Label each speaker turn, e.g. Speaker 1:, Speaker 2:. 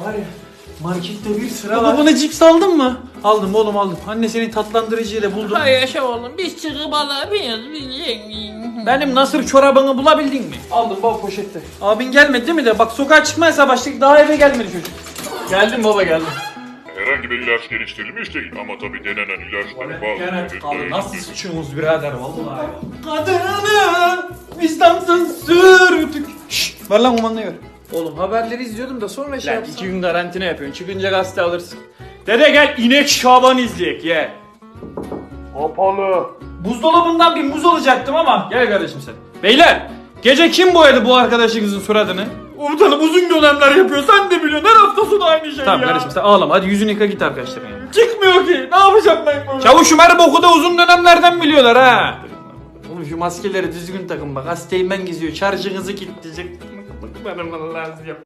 Speaker 1: var ya, markette bir sıra
Speaker 2: Baba
Speaker 1: var.
Speaker 2: bana cips aldın mı? Aldım oğlum aldım. Anne senin tatlandırıcıyla buldum.
Speaker 3: Hay yaşa oğlum biz çıkıp alabiliriz.
Speaker 2: Benim nasır çorabını bulabildin mi? Aldım baba poşette. Abin gelmedi değil mi de? Bak sokağa çıkmazsa başlık daha eve gelmedi çocuk. Geldim baba geldim.
Speaker 4: Herhangi bir ilaç geliştirilmiş değil ama tabii denenen ilaçların bazıları...
Speaker 2: Abi nasıl sıçıyorsunuz birader vallahi. Kadını vicdansız sürtük. Şşt ver lan kumandayı ver. Oğlum haberleri izliyordum da sonra şey yapsam. 2 gün karantina yapıyorsun. Çıkınca gazete alırsın. Dede gel inek Şaban izleyek ye.
Speaker 4: Kapalı.
Speaker 2: Buzdolabından bir muz alacaktım ama. Gel kardeşim sen. Beyler gece kim boyadı bu arkadaşınızın suratını? Komutanım uzun dönemler yapıyor sen de biliyorsun her hafta sonu aynı şey tamam, ya. Kardeşim sen ağlama hadi yüzünü yıka git arkadaşlarına ya. Çıkmıyor ki ne yapacağım ben bunu? Çavuşum her boku da uzun dönemlerden biliyorlar ha. Oğlum şu maskeleri düzgün takın bak hastayım ben geziyor şarjınızı kilitleyecek. Bana lazım.